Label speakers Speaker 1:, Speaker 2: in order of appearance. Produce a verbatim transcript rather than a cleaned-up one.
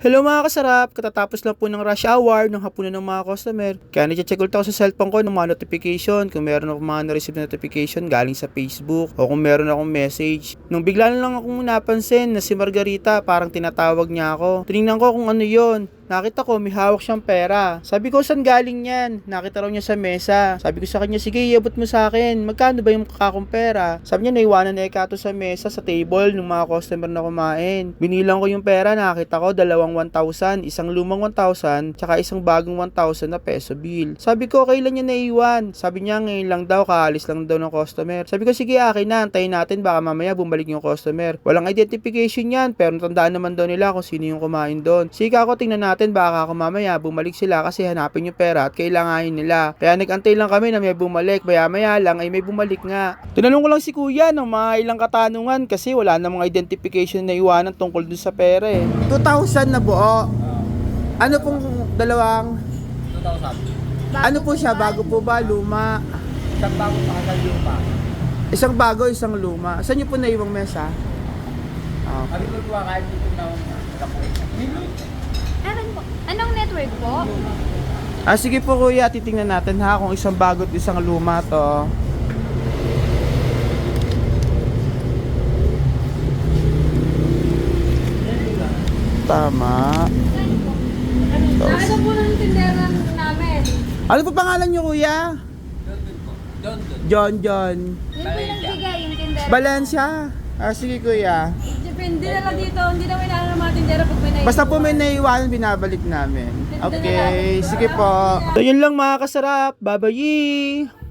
Speaker 1: Hello mga kasarap, katatapos lang po ng rush hour ng hapunan ng mga customer. Kaya nag-check ulit ako sa cellphone ko ng mga notification kung meron akong mga na-receive na notification galing sa Facebook o kung meron akong message. Nung bigla na lang akong napansin na si Margarita parang tinatawag niya ako. Tinignan ko kung ano yon. Nakita ko may hawak siyang pera. Sabi ko, saan galing yan? Nakita raw niya sa mesa. Sabi ko sa kanya, sige, iabot mo sa akin. Magkano ba yung kakong pera? Sabi niya, naiwanan na ikato sa mesa, sa table ng mga customer na kumain. Binilang ko yung pera, nakita ko dalawang one thousand, isang lumang one thousand, tsaka isang bagong one thousand na peso bill. Sabi ko, kailan niya naiwan? Sabi niya, ngayon lang daw, kaalis lang daw ng customer. Sabi ko, sige, akin na, antayin natin, baka mamaya bumalik yung customer. Walang identification yan, pero natandaan naman daw nila kung sino yung kumain doon. Sige ako, tingnan natin, baka ako mamaya bumalik sila kasi hanapin yung pera at kailanganin nila. Kaya nag-antay lang kami na may bumalik. Maya maya lang ay may bumalik nga. Tinanong ko lang si kuya ng mga ilang katanungan kasi wala namang identification na iwanan tungkol dun sa pera eh. two thousand na buo. Ano pong dalawang?
Speaker 2: two thousand.
Speaker 1: Ano po siya? Bago po ba? Luma?
Speaker 2: Isang bago pa kasal lupa.
Speaker 1: Isang bago, isang luma. Saan nyo po naiwang mesa? Okay.
Speaker 2: Ano po ba kahit dito na
Speaker 3: Ewan po. Anong network po?
Speaker 1: Ah, sige po kuya, titingnan natin ha kung isang bago at isang luma to. Tama.
Speaker 3: Ano po ng tinderan namin?
Speaker 1: Ano po pangalan nyo kuya?
Speaker 2: Don Don.
Speaker 1: John John.
Speaker 3: Yun po yung nagbigay, yung tindera.
Speaker 1: Valencia. Ah, sige kuya.
Speaker 3: Depende na lang dito. Hindi namin inaano ng mga tindera pag may naiiwan.
Speaker 1: Basta po may naiwanan, binabalik namin. Okay, sige po. So yun lang mga kasarap. Bye-bye!